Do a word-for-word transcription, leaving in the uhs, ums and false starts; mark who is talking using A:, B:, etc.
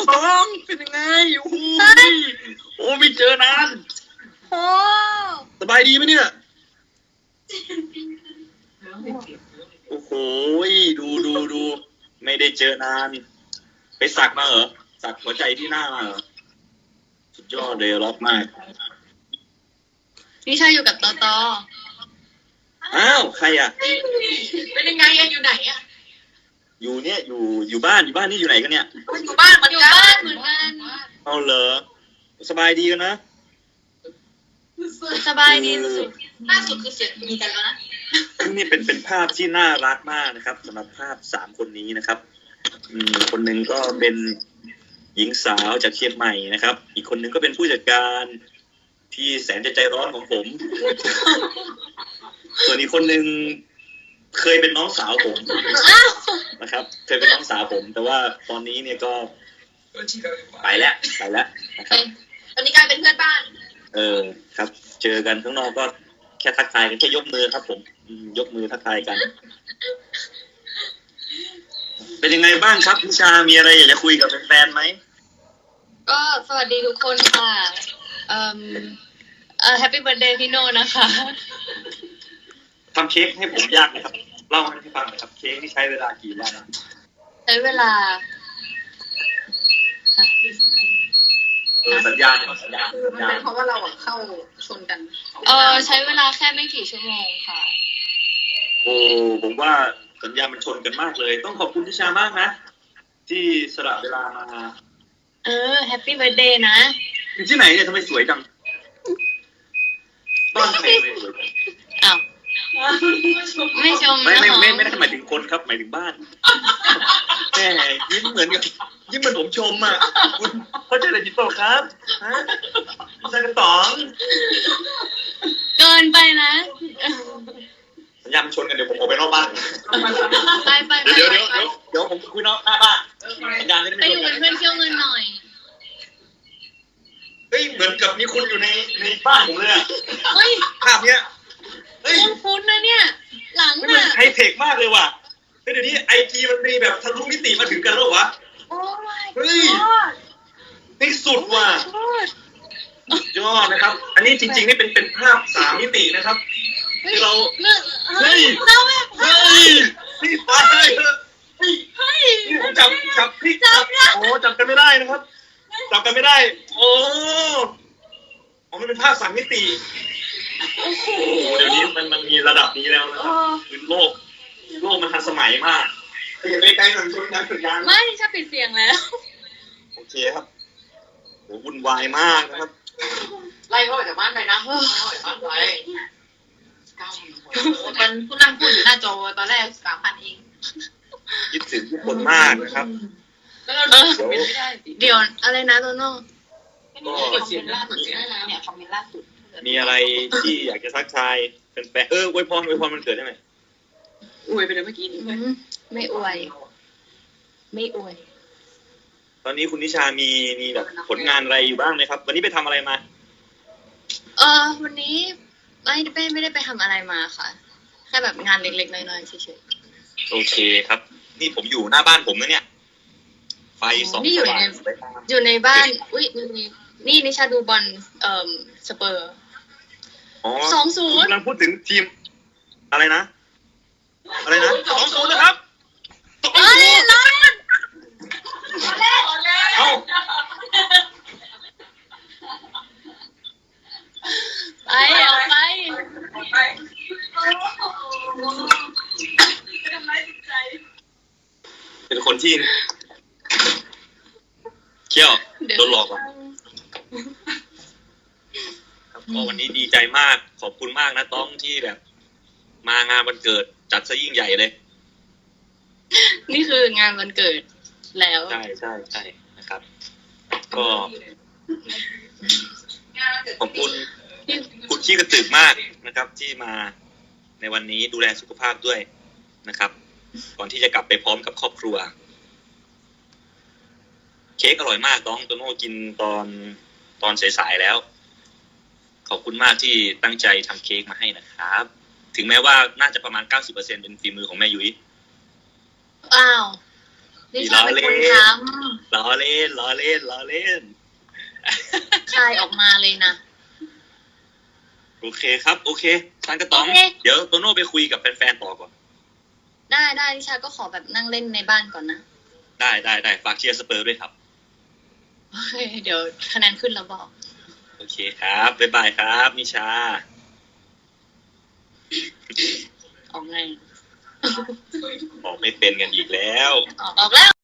A: ต้องเป็นยังไงโอ้โหโอ้ไม่เจอนาน
B: โอ้
A: สบายดีไหมเนี่ยโอ้โหดูดูดูไม่ได้เจอนานไปสักมาเหรอสักหัวใจที่หน้ามาเหรอสุดยอดเลยล็อกมาก
B: นิชาอยู่กับตอตอ
A: อ้าวใครอ่ะ
C: เป็นยังไงอะอยู่ไหนอะ
A: อยู่เนี่ยอยู่อยู่บ้านอยู่บ้านนี่อยู่ไหนกันเนี่ย
C: อยู่บ้านเหมือน
B: อยู่
C: กัน
B: บ้านเหมือนกัน
A: เอาเหรอสบายดีกันนะ
B: สบายดีสุด
C: ล่าสุดคือเสียงมีกันแล้วนะ
A: นี่เป็นเป็นภาพที่น่ารักมากนะครับสำหรับภาพสามคนนี้นะครับอืมคนหนึ่งก็เป็นหญิงสาวจากเชียงใหม่นะครับ อีกคนหนึ่งก็เป็นผู้จัดการที่แสนจะใจร้อนของผม ส่วนอีกคนหนึ่งเคยเป็นน้องสาวผมนะครับ เคยเป็นน้องสาวผม แต่ว่าตอนนี้เนี่ยก็ไปแล้วไปแล้วนะครับ
C: ตอนนี้กลายเป็นเพื่อนบ้าน
A: เออครับ เจอกันข้างนอกก็แค่ทักทายกันแค่ยกมือครับผมอืมยกมือทักทายกัน เป็นยังไงบ้างครับพิชามีอะไรอยากจะคุยกับแฟนๆไหม
B: ๆก็สวัสดีทุกคนค่ะเอ่อเอ่อแฮปปี้เบิร์ดเดย์พี่โนนะคะ
A: ทำเค้กให้ผมยากไหมครับเล่าให้ฟังหน่อยครับเค้กที่ใช้เวลากี่วันอะ
B: ใช้เวลา
A: เออสัญญาณสัญญาณ
C: คือ
A: สัญ
C: มัน
A: ญา
C: เป็
A: ณ
C: นเพราะว่าเราอะเข้าชนกัน
B: เออใช้เวลาแค่ไม่กี่ชั่วโมงค่ะ
A: โอ้ผมว่าสัญญาณมันชนกันมากเลย ต้องขอบคุณพิชามากนะ ที่สละเวลามา
B: เออแฮปปี้เบิร์ดเดย์นะ
A: อยู่ที่ไหนเนี่ยทำไมสวยจังบ้านใครทำไมสวยจัง
B: อ้าวไม่ชม
A: ไม่
B: นะ
A: ไม่
B: หรอ
A: ไม่ไม่ได้หมายถึงคนครับหมายถึงบ้านแหมยิ้มเหมือนกับยิ้มเหมือนผมชมอ่ะคุณเขาใจอะไรผิดเปล่าครับฮะใส่กระต๋อง
B: เกินไปนะ
A: สัญญาณมันชนกันเดี๋ยวผมออกไปนอกบ้าน
B: ไปไปไป
A: เดี๋ยว
B: ไป
A: เดี๋ยว
B: ไป
A: เดี๋ยวเดี๋ยวผมคุยนอกหน้าบ้านสัญญาณไม่ได้
B: ไป
A: ไม่
B: อ
A: ช
B: ยู่
A: น
B: เป็
A: กัน น
B: เพื่อนเที่ยวเงินหน่อย
A: เฮ้ยเหมือนกับมีคนอยู่ในในบ้านผมเลยอะ
B: เฮ้ย
A: ภาพเนี้ยเฮ้ย
B: คุ้นๆนะเนี่ย หลัง
A: นี่มัน
B: อ่ะ
A: ไฮเทคมากเลยว่ะเฮ้ยเดี๋ยวนี้ไอจีมันมีแบบทะลุมิติมาถึงกันแล้ววะ
B: โอ้ my
A: เฮ้ย
B: god
A: นี่สุดว่ะ
B: god
A: ยอดนะครับ อันนี้จริงๆนี่เป็นเป็นภาพสามมิตินะครับที่เรา
B: เลิก
A: เฮ้
B: เฮ้
A: ย
B: ยเราแบบ
A: เฮ้ยนี่ตายเถอะเฮ้ย
B: เฮ้ย
A: นี่ผมจับจับพลิกจับโอ้จับกันไม่ได้นะครับ จับกันไม่ได้ โอ้อ๋อมันเป็นภาพสามมิติโอ้โหเดี๋ยวนี้มันมันมีระดับนี้แล้วนะค
B: โอ้
A: รับคือโลกโลกมันทันสมัยมากอย่าไปไกลหน่อยชนกันชนกัน
B: ไม่ชอบปิดเสียงแล้ว
A: โอเคครับโหวุ่นวายมากนะครับ
C: ไล่เขาออกจากบ้านไปนะไล่เขาออกจากบ้านไปเก้าพันคนมันผู้นั่งพูดอยู่หน้าจอตอนแรกสามพันเอง
A: คิดถึงทุกคนมากนะครับ
C: แล้วเราเดินไม่ได้สิ
B: เดี๋ยวอะไรนะโตโน่
C: ก็เดี๋ยวคอมเมนต์ล่าสุดเนี่ยคอมเมนต์ล่าสุด
A: มีอะไรที่อยากจะทักทายเป็นแฟนๆเอออวยพรอวยพรมันเกิดได้ไหม
C: อวยไปเลยเมื่อกี้นี้
B: อืมไม่อวย ไม่อวย
A: ตอนนี้คุณนิชามีมีแบบผลงานอะไรอยู่บ้างไหมครับ วันนี้ไปทำอะไรมา
B: เออวันนี้ไม่ไม่ไม่ได้ไปทำอะไรมาค่ะ แค่แบบงานเล็กๆน้อยๆเฉย
A: โอเคครับ นี่ผมอยู่หน้าบ้านผมนะเนี่ย ไฟสอง
B: นี่อยู่
A: สว่า
B: ใน
A: งสวยงาม
B: ๆอยู่ในบ้าน อุ้ยนี่นี่นิชาดูบอลเอ่อสเปอร์
A: อ๋อ
B: สองศูนย์
A: กำลังพูดถึงทีม อะไรนะ อะไรนะสองศูนย์นะครับสอง
B: เอ้
A: ศู
B: ย
A: นย์
B: ร้อน
A: เอ้า
B: ไปเอาไป
A: เป็นคนที่เขี้ยวโดนหลอกอ่ะครับก็วันนี้ดีใจมาก ขอบคุณมากนะต้องที่แบบ มางานวันเกิดจัดซะยิ่งใหญ่เลย
B: นี่คืองานวันเกิดแล้ว
A: ใช่ใช่ใช่นะครับ ก็ขอบคุณคุณขี้กระตือกมากนะครับ ที่มาในวันนี้ดูแลสุขภาพด้วยนะครับ ก่อนที่จะกลับไปพร้อมกับครอบครัว เค้กอร่อยมากน้องโตโน่กินตอนตอนสายๆแล้ว ขอบคุณมากที่ตั้งใจทำเค้กมาให้นะครับ ถึงแม้ว่าน่าจะประมาณ เก้าสิบเปอร์เซ็นต์ เป็นฝีมือของแม่ยุ้ย
B: อ้าวนิชาเป็นคนท
A: รล้อเล่นล้อเล่นล้อเล่น
B: คายออกมาเลยนะ
A: โอเคครับโอเคท่านกระต๋อง
B: โอเค
A: เดี๋ยวโตโน่ไปคุยกับแฟนๆต่อก่อน
B: ได้ได้นิชาก็ขอแบบนั่งเล่นในบ้านก่อนนะ
A: ได้ได้ได้ฝากเชียร์สเปอร์ด้วยครับ
B: โอเคเดี๋ยวคะแนนขึ้นแล้วบอก
A: โอเคครับบ๊ายบายครับนิชา
B: ออกไง
A: บอกไม่เป็นกันอีกแล้ว
B: ออกออกแล้ว